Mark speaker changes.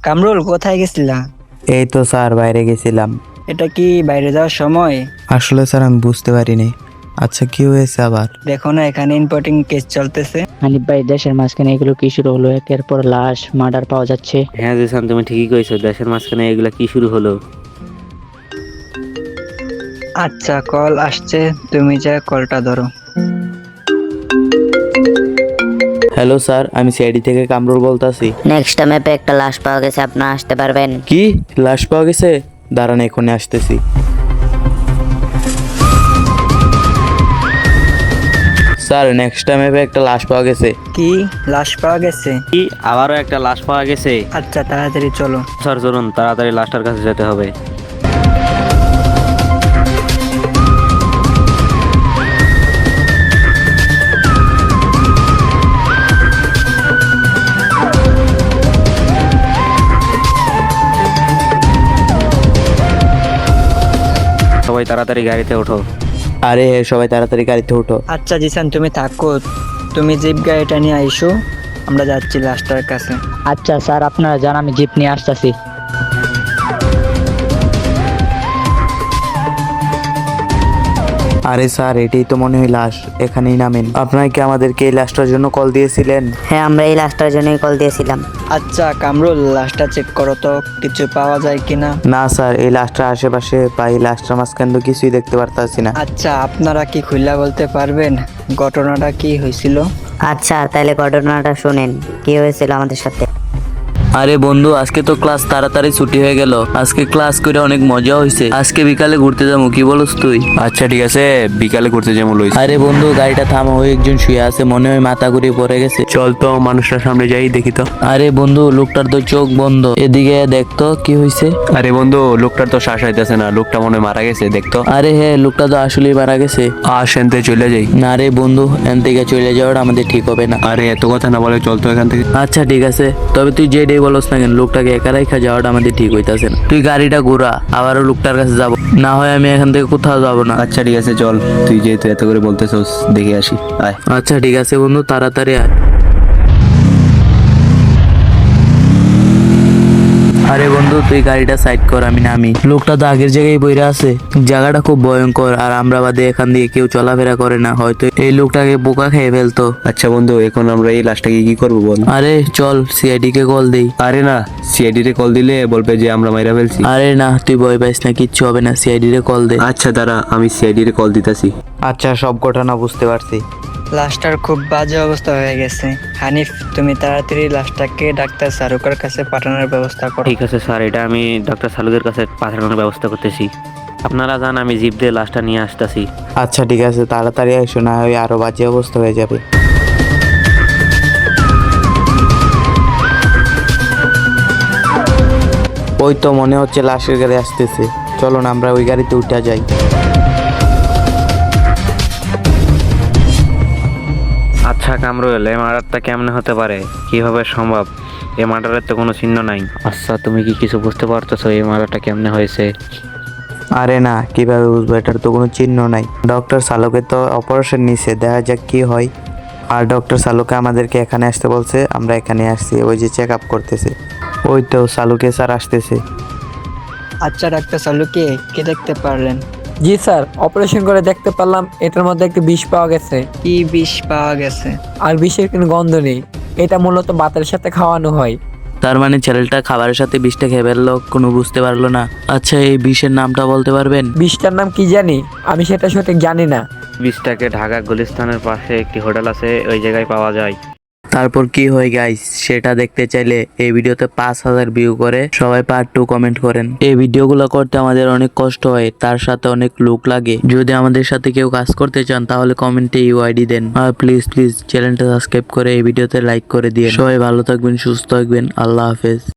Speaker 1: কামরুল কোথায় গেছিলা?
Speaker 2: এই তো স্যার বাইরে গেছিলাম।
Speaker 1: এটা কি বাইরে যাওয়ার সময়?
Speaker 2: আসলে স্যার আমি বুঝতে পারিনি। আচ্ছা কি হয়েছে আবার?
Speaker 1: দেখো না এখানে ইম্পোর্টিং কেস চলতেছে।
Speaker 3: হানিফ ভাই, দেশের মাঝখানে এগুলো কি শুরু হলো? একের পর লাশ মার্ডার পাওয়া যাচ্ছে।
Speaker 4: হ্যাঁ জিসান, তুমি ঠিকই কইছো, দেশের মাঝখানে এগুলা কি শুরু হলো?
Speaker 1: আচ্ছা কল আসছে, তুমি যা কলটা ধরো।
Speaker 2: হ্যালো স্যার, আমি সিআইডি থেকে কামরুল বলতাছি।
Speaker 5: নেক্সট ম্যাপে একটা লাশ পাওয়া গেছে, আপনারা আসতে পারবেন?
Speaker 2: কি লাশ পাওয়া গেছে? দাঁড়ান এখনই আসতেছি। স্যার নেক্সট টাইমে একটা লাশ পাওয়া গেছে।
Speaker 1: কি লাশ পাওয়া গেছে?
Speaker 4: কি আবারও একটা লাশ পাওয়া গেছে?
Speaker 1: আচ্ছা তাড়াতাড়ি চলো।
Speaker 4: স্যার চলুন, তাড়াতাড়ি লাশটার কাছে যেতে হবে। সবাই তাড়াতাড়ি গাড়িতে ওঠো।
Speaker 2: আরে সবাই তাড়াতাড়ি গাড়িতে উঠো।
Speaker 1: আচ্ছা জিসান তুমি থাকো, তুমি জিপ গাড়িটা নিয়ে আইসো, আমরা যাচ্ছি লাশটার কাছে।
Speaker 3: আচ্ছা স্যার, আপনারা যান, আমি জিপ নিয়ে আসতেছি।
Speaker 2: আরে স্যার এটাই তো মনে হয় লাশ, এখানেই নামেন। আপনারা কি আমাদেরকে এই লাশটার জন্য কল দিয়েছিলেন?
Speaker 5: হ্যাঁ, আমরা এই লাশটার জন্যই কল দিয়েছিলাম।
Speaker 1: আচ্ছা কামরুল লাশটা চেক করো তো কিছু পাওয়া যায় কিনা।
Speaker 2: না স্যার, এই লাশটার আশেপাশে বা এই লাশটার মাঝখানে তো কিছুই দেখতে পারতাছি না।
Speaker 1: আচ্ছা আপনারা কি খুলে বলতে পারবেন ঘটনাটা কি হয়েছিল?
Speaker 5: আচ্ছা তাহলে ঘটনাটা শুনেন, কি হয়েছিল আমাদের সাথে।
Speaker 2: আরে বন্ধু, আজকে তো ক্লাস তাড়াতাড়ি ছুটি হয়ে গেল। আজকে ক্লাস করে অনেক মজা হয়েছে। আজকে বিকালে ঘুরতে যাবো, কি বলস তুই?
Speaker 4: আচ্ছা ঠিক আছে, বিকালে ঘুরতে যাবো লইস।
Speaker 2: আরে বন্ধু গাড়িটা থামা, ওই একজন শুয়ে আছে, মনে হয় মাথা ঘুরে পড়ে গেছে।
Speaker 4: চল তো মানুষটার সামনে যাই দেখি তো।
Speaker 2: আরে বন্ধু লোকটার তো চোখ বন্ধ, এদিকে দেখতো কি হয়েছে।
Speaker 4: আরে বন্ধু, লোকটার তো শ্বাস আইতেছে না, লোকটা মনে হয় মারা গেছে, দেখতো।
Speaker 2: আরে হ্যাঁ, লোকটা তো আসলেই মারা গেছে।
Speaker 4: সেনতে চলে যাই।
Speaker 2: না রে বন্ধু, এখান থেকে চলে যাওয়াটা আমাদের ঠিক হবে না।
Speaker 4: আরে এত কথা না বলে চল তো এখান থেকে।
Speaker 2: আচ্ছা ঠিক আছে, তবে তুই যে ডে বলস না কেন, লোকটাকে একা রেখা যাওয়াটা আমাদের ঠিক হইতাছে না। তুই গাড়িটা ঘোরা, আবারও লোকটার কাছে যাব, না হয় আমি এখান থেকে কোথাও যাবো না।
Speaker 4: আচ্ছা ঠিক আছে চল, তুই যেহেতু এত করে বলতেছস দেখে আসি, আয়।
Speaker 2: আচ্ছা ঠিক আছে বন্ধু, তাড়াতাড়ি আয়। আরে বন্ধু তুই গাড়িটা সাইড কর, আমি নামি। লোকটা তো আগের জায়গায় বইরা আছে, জায়গাটা খুব ভয়ঙ্কর, আর আমরা বাদে এখান দিয়ে কেউ চলাফেরা করে না, হয়তো এই লোকটাকে বোকা খেয়ে ফেলতো।
Speaker 4: আচ্ছা বন্ধু, এখন আমরা এই লাশটাকে কি করবো বল?
Speaker 2: আরে চল সিআইডি কে কল দেই।
Speaker 4: আরে না, সিআইডি রে কল দিলে বলবে যে আমরা মাইরা ফেলছি।
Speaker 2: আরে না, তুই ভয় পাইস না, কিচ্ছু হবে না, সিআইডি রে কল দে।
Speaker 4: আচ্ছা দাঁড়া, আমি সিআইডি রে কল দিতেছি।
Speaker 2: আচ্ছা সব ঘটনা বুঝতে পারছি।
Speaker 1: লাশটার খুব বাজে অবস্থা হয়ে গেছে। হানিফ তুমি তাড়াতাড়ি লাশটাকে ডাক্তার শাহরুখের কাছে পাঠানোর ব্যবস্থা করো।
Speaker 4: ঠিক আছে স্যার, এটা আমি ডক্টর সালুদের কাছে পাঠানোর ব্যবস্থা করতেছি। আপনারা যান, আমি জিপ দিয়ে লাশটা নিয়ে আসতেছি।
Speaker 2: আচ্ছা ঠিক আছে, তাড়াতাড়ি এসো, না হয় আরো বাজে অবস্থা হয়ে যাবে। ওই তো মনে হচ্ছে লাশের গাড়ি আসতেছে, চলো না আমরা ওই গাড়িতে উঠে যাই।
Speaker 4: আচ্ছা কামরুল, এই মার্ডারটা কেমনে হতে পারে? কিভাবে সম্ভব? এই মার্ডারের তো কোনো চিহ্ন নাই। আচ্ছা তুমি কি কিছু বুঝতে পারতেছো এই মার্ডারটা কেমনে হয়েছে?
Speaker 2: আরে না, কিভাবে বুঝবো, এটার তো কোনো চিহ্ন নাই। ডক্টর সালোকে তো অপারেশন নিছে, দেখা যাক কি হয়। আর ডক্টর সালোকে আমাদেরকে এখানে আসতে বলছে, আমরা এখানে আসছি, ওই যে চেক আপ করতেছে। ওই তো সালুকে স্যার আসতেছে।
Speaker 1: আচ্ছা ডাক্তার শাহরুখকে কে দেখতে পারলেন?
Speaker 6: জি স্যার, অপারেশন করে দেখতে পারলাম এটার মধ্যে একটি বিষ পাওয়া গেছে।
Speaker 1: কি বিষ পাওয়া গেছে?
Speaker 6: আর বিষের কোনো গন্ধ নেই। এটা মূলত ভাতের সাথে খাওয়ানো হয়।
Speaker 2: তার মানে ছেলেটা খাবারের সাথে বিষটা খেয়ে ফেললো, কোনো বুঝতে পারলো না। আচ্ছা এই বিষের নামটা বলতে পারবেন?
Speaker 6: বিষটার নাম কি জানি, আমি সেটা সঠিক জানি না।
Speaker 4: বিষটাকে ঢাকা গুলিস্তানের পাশে একটি হোটেল আছে, ওই জায়গায় পাওয়া যায়।
Speaker 2: তারপর কি হয় গাইস, সেটা দেখতে চাইলে এই ভিডিওতে 5000 ভিউ করে সবাই পার্ট 2 কমেন্ট করেন। এই ভিডিওগুলো করতে আমাদের অনেক কষ্ট হয়, তার সাথে অনেক লোক লাগে। যদি আমাদের সাথে কেউ কাজ করতে চান তাহলে কমেন্টে ইউআইডি দেন। আর প্লিজ চ্যানেলটা সাবস্ক্রাইব করে এই ভিডিওতে লাইক করে দিন। সবাই ভালো থাকবেন, সুস্থ থাকবেন, আল্লাহ হাফেজ।